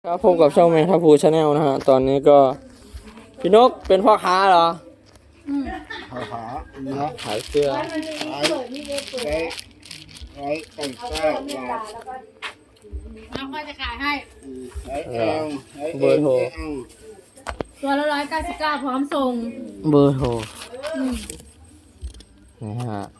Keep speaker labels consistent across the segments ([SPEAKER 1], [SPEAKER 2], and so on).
[SPEAKER 1] ครับพบกับช่องแมงทัพพูชาแนลนะฮะตอนนี้ก็พี่นกเป็นพ่อค้าเหรอ
[SPEAKER 2] หาเนาะ
[SPEAKER 1] ขายเสื้อ
[SPEAKER 2] ร้อยตั้งเก้า
[SPEAKER 3] น้องก็จะขายให้
[SPEAKER 1] เบอร์โทร
[SPEAKER 3] ตัวละ199พร้อมส่ง
[SPEAKER 1] เบอร์โทรนะฮะ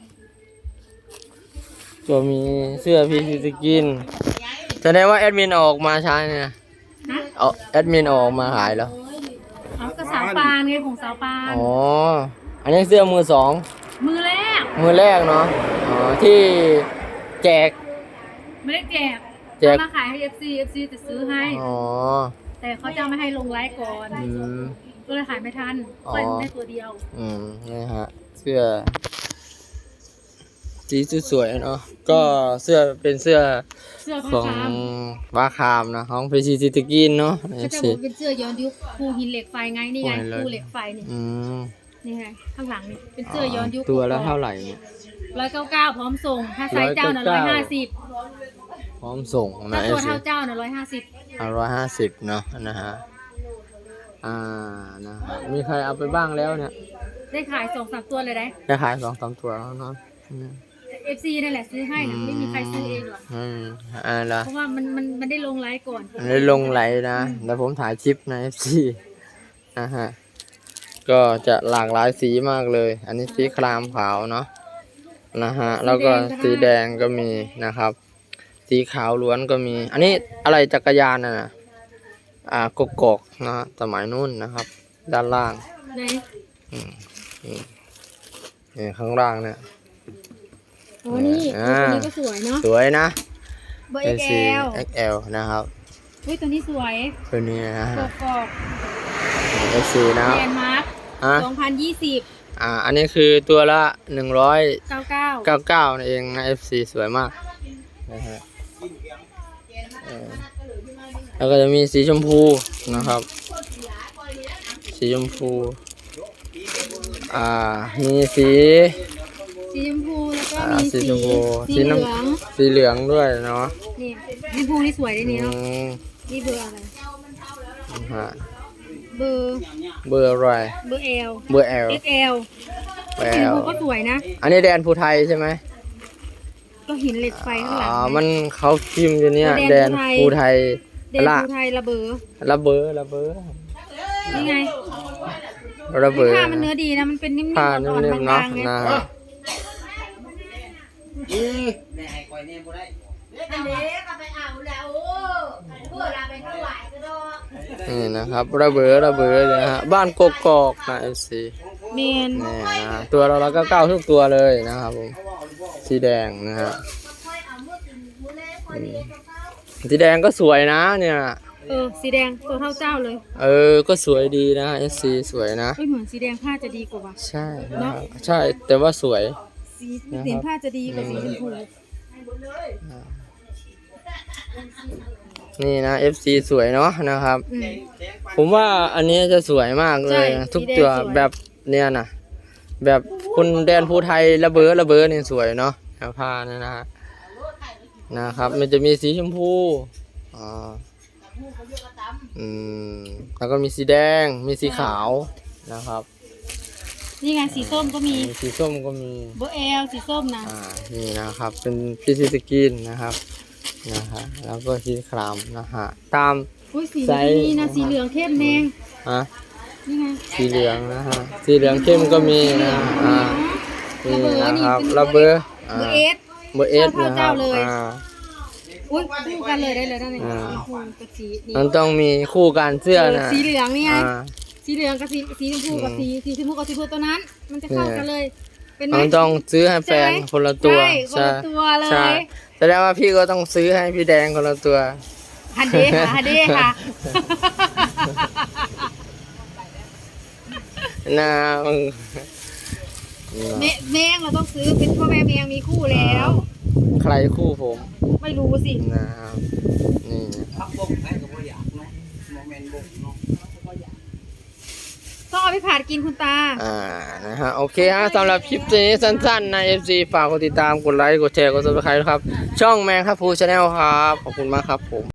[SPEAKER 1] ก็มีเสื้อพีซีสกินแสดงว่าแอดมินออกมาใช้เนี่ยเอาแอดมินออกมาขายแล้ว
[SPEAKER 3] เอากระสาวปานไงของสาวปาน
[SPEAKER 1] อ๋ออันนี้เสื้อมือสอง
[SPEAKER 3] มือแรก
[SPEAKER 1] เนาะอ๋อที่แจก
[SPEAKER 3] ไม่ได้แจกมาขายให้ FC จะซื้อให้
[SPEAKER 1] อ๋อ
[SPEAKER 3] แต่เขาจะไม่ให้ลงไลฟ์ก่อนก็เลยขายไม่ทันปล่อยได้ตัวเดียว
[SPEAKER 1] นี่ฮะเสื้อสีสวยๆเนาะก็เสื้อเป็นเสื้อของวาคามนะของพีซีสกินเนาะ
[SPEAKER 3] เขาจะบอกเป็นเสื้อย้อนยุคภูหินเหล็กไฟไงนี่ไงภูเหล็กไฟนี่นี่ไงข้างหลังนี่เป็นเสื้อย้อนยุค
[SPEAKER 1] ตัวละเท่าไหร่เนี่ย
[SPEAKER 3] 199พร้อมส่งถ้าไซส์เจ้าน่ะ150
[SPEAKER 1] พร้อมส่งนะ
[SPEAKER 3] ถ้าตัวเท่าเจ้าน่ะ
[SPEAKER 1] 150เนาะนะฮะนะฮะมีใครเอาไปบ้างแล้วเนี่ย
[SPEAKER 3] ได้ขาย2-3ตัวเลย
[SPEAKER 1] ได้ขาย2-3ตัวแล้วเนาะ
[SPEAKER 3] FC นั่นแหละซื้อให้นะไม่มีใครซื้อเองหรอกเพราะว่ามันได้ลงไลฟ์ก่อน
[SPEAKER 1] ได้ลงไลฟ์นะแล้วผมถ่ายคลิปใน FC นะฮะก็จะหลากหลายสีมากเลยอันนี้สีครามขาวเนาะนะฮะแล้วก็สีแดงก็มีนะครับสีขาวล้วนก็มีอันนี้อะไรจักรยานน่ะกกอกนะสมัยนู้นนะครับด้านล่างนี่ข้างล่างเนี่ย
[SPEAKER 3] โอ้นี่ตัวนี้ก็สวยเนาะ
[SPEAKER 1] สวยนะ
[SPEAKER 3] เบอร์
[SPEAKER 1] XL นะครับ
[SPEAKER 3] ตัวนี้สวย
[SPEAKER 1] ตัวนี้นะฮะ
[SPEAKER 3] กอก
[SPEAKER 1] FC นะ
[SPEAKER 3] แลนด์มาร์ค2020
[SPEAKER 1] อันนี้คือตัวละ
[SPEAKER 3] 199
[SPEAKER 1] นั่นเองนะ FC สวยมากนะฮะแล้วก็จะมีสีชมพูนะครับสีชมพูมีสี
[SPEAKER 3] ชมพูแล้วก็มีสี
[SPEAKER 1] เหลืองด้วยเนาะ
[SPEAKER 3] นี่ชมพูนี่สวยเลยนี่เนาะนี่เบอร์อะไรเบอร์
[SPEAKER 1] อะไร
[SPEAKER 3] เบอร์ L
[SPEAKER 1] เบอร์ L
[SPEAKER 3] XL ชมพูก็สวยนะ
[SPEAKER 1] อันนี้แดนภูไทยใช่ไหม
[SPEAKER 3] ก็หินเหล็กไฟข้างหลัง
[SPEAKER 1] มันเขาพิมพ์อยู่เนี่ยแดนภูไทย
[SPEAKER 3] ระเบอนี่ไงผ้ามันเนื้อดีนะมันเป็นนิ่มๆอ่อนๆบางๆไง
[SPEAKER 1] นี่นะครับระเบอเลยฮะบ้านกกอกนะFCนี่นะตัวเราก็9ทุกตัวเลยนะครับผมสีแดงนะฮะสีแดงก็สวยนะเนี่ย
[SPEAKER 3] สีแดงตัวเท่าเจ้าเลย
[SPEAKER 1] ก็สวยดีนะ SC สวยนะ
[SPEAKER 3] เหมือนสีแดงผ้าจะดีกว่า
[SPEAKER 1] ใช่ใช่แต่ว่าสวย
[SPEAKER 3] สีผ้าจะดีกว่าสีชมพู
[SPEAKER 1] นี่นะ FC สวยเนาะนะครับผมว่าอันนี้จะสวยมากเลยทุกตัวแบบเนี้ยนะแบบคุณแดนภูไทยระเบ้อนี่สวยเนาะผ้านี่นะครับมันจะมีสีชมพูแล้วก็มีสีแดงมีสีขาวนะครับ
[SPEAKER 3] นี่ไงสีส้มก็มี
[SPEAKER 1] สีส้มก็มี
[SPEAKER 3] เบอร์ L สีส้มนะ
[SPEAKER 1] นี่นะครับเป็นพีซีสกินนะครับแล้วก็สีครามนะฮะตาม
[SPEAKER 3] ไซส์นี่นะสีเหลืองเข้มแดงนี่ไง
[SPEAKER 1] สีเหลืองนะฮะสีเหลืองเข้มก็มีนะนี่นะครับระเบอร์นะครับ
[SPEAKER 3] คู่กันเลยได้เลยนั่นเอง
[SPEAKER 1] มันต้องมีคู่กันเสื้อนะ
[SPEAKER 3] สีเหลืองนี่ไงสีเหลืองกับสีชมพูกับสีชมพูกับสีชมพูตัวนั้นมันจะเข้ากันเลยเป็นไหม
[SPEAKER 1] มันต้องซื้อให้แฟนคนละตัว
[SPEAKER 3] ใช่คนละตัวเลย
[SPEAKER 1] แสดงว่าพี่ก็ต้องซื้อให้พี่แดงคนละตัว
[SPEAKER 3] ฮันเดค่ะ
[SPEAKER 1] นะ
[SPEAKER 3] แมงเราต้องซื้อเป็นพ่อแม่แมงมีคู่แล้ว
[SPEAKER 1] ใครคู่ผม
[SPEAKER 3] ไม่รู้สิ
[SPEAKER 1] นะครับนี่
[SPEAKER 3] ต้องเอาไปผัดกินคุณตา
[SPEAKER 1] นะฮะโอเคฮะสำหรับคลิปนี้สั้นๆใน FC ฝากกดติดตามกดไลค์กดแชร์กด Subscribe ครับช่องแมงทัพพูชาแนลครับขอบคุณมากครับผม